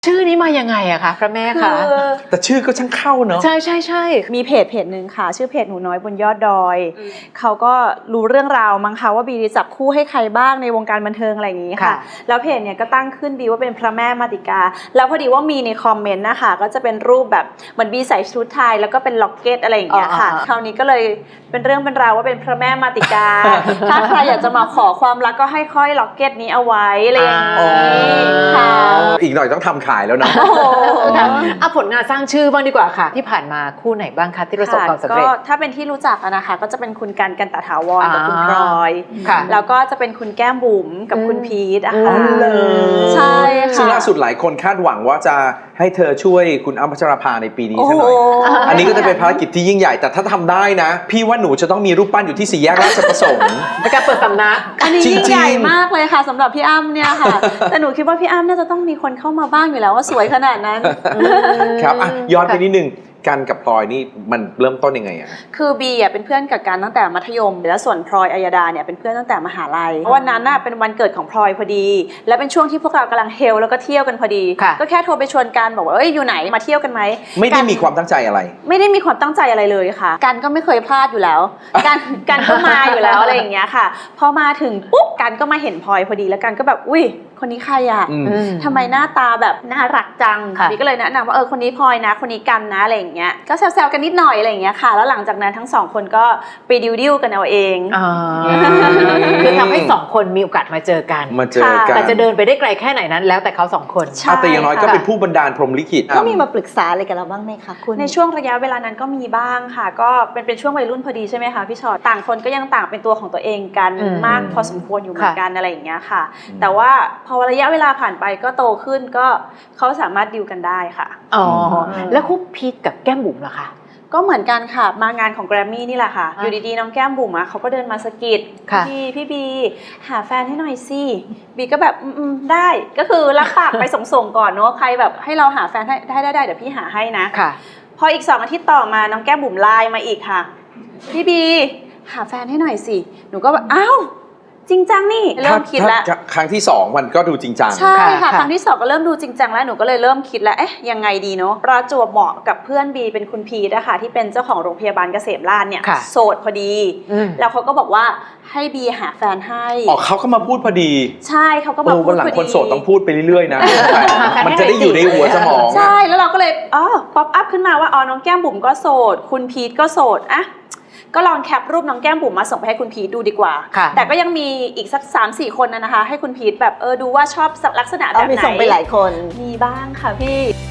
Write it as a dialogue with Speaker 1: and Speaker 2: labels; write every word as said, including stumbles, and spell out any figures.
Speaker 1: ชื่อนี้มายังไงอะคะพระแม่คะ
Speaker 2: แต่ชื่อก็ช่างเข้าเนอะ
Speaker 1: ใช่ใช่ใช่
Speaker 3: มีเพจเพจหนึ่งค่ะชื่อเพจหนูน้อยบนยอดดอยเขาก็รู้เรื่องราวมั้งคะว่าบีจับคู่ให้ใครบ้างในวงการบันเทิงอะไรอย่างนี้ค่ะแล้วเพจเนี่ยก็ตั้งขึ้นบีว่าเป็นพระแม่มาติกาแล้วพอดีว่ามีในคอมเมนต์นะคะก็จะเป็นรูปแบบเหมือนบีใส่ชุดไทยแล้วก็เป็นล็อกเก็ตอะไรอย่างเงี้ยค่ะคราวนี้ก็เลยเป็นเรื่องเป็นราวว่าเป็นพระแม่มาติกาถ้าใครอยากจะมาขอความรักก็ให้ค่อยล็อกเก็ตนี้เอาไว้อะไรอย่างนี้ค่ะ
Speaker 2: อีกหน่อยต้องทำขายแล้วนะ
Speaker 1: เอาผลงานสร้างชื่อบ้างดีกว่าค่ะที่ผ่านมาคู่ไหนบ้างคะที่ประสบความสำเร็จ
Speaker 3: ก็ถ้าเป็นที่รู้จักนะคะก็จะเป็นคุณกันกันตถาวรกับคุณพลอยแล้วก็จะเป็นคุณแก้มบุ๋มกับคุณพีทอะค่ะใช่ค่ะ
Speaker 2: ซึ่งล่าสุดหลายคนคาดหวังว่าจะให้เธอช่วยคุณอ้ำพัชราภาในปีนี้ซะหน่อยอันนี้ก็จะเป็นภารกิจที่ยิ่งใหญ่แต่ถ้าทำได้นะพี่ว่าหนูจะต้องมีรูปปั้นอยู่ที่สี่แยกราชประสงค์
Speaker 1: ในการเปิดสำนัก
Speaker 3: อันนี้ยิ่งใหญ่มากเลยค่ะสำหรับพี่อ้ำเนี่ยค่ะแต่หนูคิดว่าพี่อ้ำน่าจะต้องมีคนเข้ามาบ้างอยู่แล้วว่าสวยขนาดนั้น
Speaker 2: ครับย้อนไปนิดนึงกันกับพลอยนี่มันเริ่มต้นยังไงอะ
Speaker 3: คือบีอ่ะเป็นเพื่อนกับกันตั้งแต่มัธยมแล้วส่วนพลอยอัยดาเนี่ยเป็นเพื่อนตั้งแต่มหาลัยวันนั้นน่ะเป็นวันเกิดของพลอยพอดีและเป็นช่วงที่พวกเรากำลังเฮลแล้วก็เที่ยวกันพอดีก็แค่โทรไปชวนกันบอกว่าเอ้ยอยู่ไหนมาเที่ยวกันไหม
Speaker 2: ไม่ได้มีความตั้งใจอะไร
Speaker 3: ไม่ได้มีความตั้งใจอะไรเลยค่ะกันก็ไม่เคยพลาดอยู่แล้วกันกันก็มาอยู่แล้วอะไรอย่างเงี้ยค่ะพอมาถึงปุ๊บกันก็มาเห็นพลอยพอดีแล้วกันก็แบบอุ้ยคนนี้ใครอ่ะทำไมหน้าตาแบบน่ารักจังบีก็เลยแนะนำว่าเออคนนี้พลอยนะคนนี้กันนะอะไรอย่างเงี้ยก็แซวๆกันนิดหน่อยอะไรอย่างเงี้ยค่ะแล้วหลังจากนั้นทั้งสองคนก็ไปดิวดิวกันเอาเอง
Speaker 1: คือทำให้สองคนมีโอกาสมาเจอกัน
Speaker 2: มาเจอกัน
Speaker 1: แต่จะเดินไปได้ไกลแค่ไหนนั้นแล้วแต่เขาสองคน
Speaker 2: แต่อย่างน้อยก็เป็นผู้บันดาลพรหมลิขิต
Speaker 4: ก็มีมาปรึกษาอะไรกันเราบ้างไหมคะคุณ
Speaker 3: ในช่วงระยะเวลานั้นก็มีบ้างค่ะก็เป็นเป็นช่วงวัยรุ่นพอดีใช่ไหมคะพี่ชอตต่างคนก็ยังต่างเป็นตัวของตัวเองกันมากพอสมควรอยู่เหมือนกันอะไรอย่างเงี้ยค่ะแต่ว่าพอระยะเวลาผ่านไปก็โตขึ้นก็เขาสามารถดิวกันได้ค่ะ
Speaker 1: อ๋อแล้วคู่พีทกับแก้มบุ๋มล่ะคะ
Speaker 3: ก็เหมือนกันค่ะมางานของแกรมมี่นี่แหละค่ะอยู่ดีๆน้องแก้มบุ๋มอ่ะเขาก็เดินมาสะกิดพี่พี่บีหาแฟนให้หน่อยสิบีก็แบบอืมได้ก็คือรับปากไปส่งๆก่อนเนาะใครแบบให้เราหาแฟนให้ได้ได้ได้เดี๋ยวพี่หาให้นะพออีกสองอาทิตย์ต่อมาน้องแก้มบุ๋มไลน์มาอีกค่ะพี่บีหาแฟนให้หน่อยสิหนูก็แบบอ้าวจริงจังนี่เริ่มคิดแล้ว
Speaker 2: ครั้งที่สองมันก็ดูจริงจัง
Speaker 3: ใช่ค่ะครั้งที่สองก็เริ่มดูจริงจังแล้วหนูก็เลยเริ่มคิดแล้วเอ๊ะยังไงดีเนาะประจวบเหมาะกับเพื่อนบีเป็นคุณพีทนะคะที่เป็นเจ้าของโรงพยาบาลเกษมราษฎร์เนี่ยโสดพอดีแล้วเขาก็บอกว่าให้บีหาแฟนให้
Speaker 2: อ๋อเขาก็มาพูดพอดี
Speaker 3: ใช่เขาก็มาพูดพอดี
Speaker 2: วันหลังคนโสดต้องพูดไปเรื่อยๆนะมันจะได้อยู่ในหัวสมอง
Speaker 3: ใช่แล้วเราก็เลยอ๋อป๊อปอัพขึ้นมาว่าอ๋อน้องแก้มบุ๋มก็โสดคุณพีทก็โสดอะก็ลองแคปรูปน้องแก้มบุ๋มมาส่งไปให้คุณพีทดูดีกว่าแต่ก็ยังมีอีกสัก สามสี่ คนนะคะให้คุณพีทแบบเออดูว่าชอบลักษณะแบบไหน
Speaker 4: มีส่งไปหลายคน
Speaker 3: มีบ้างค่ะพี่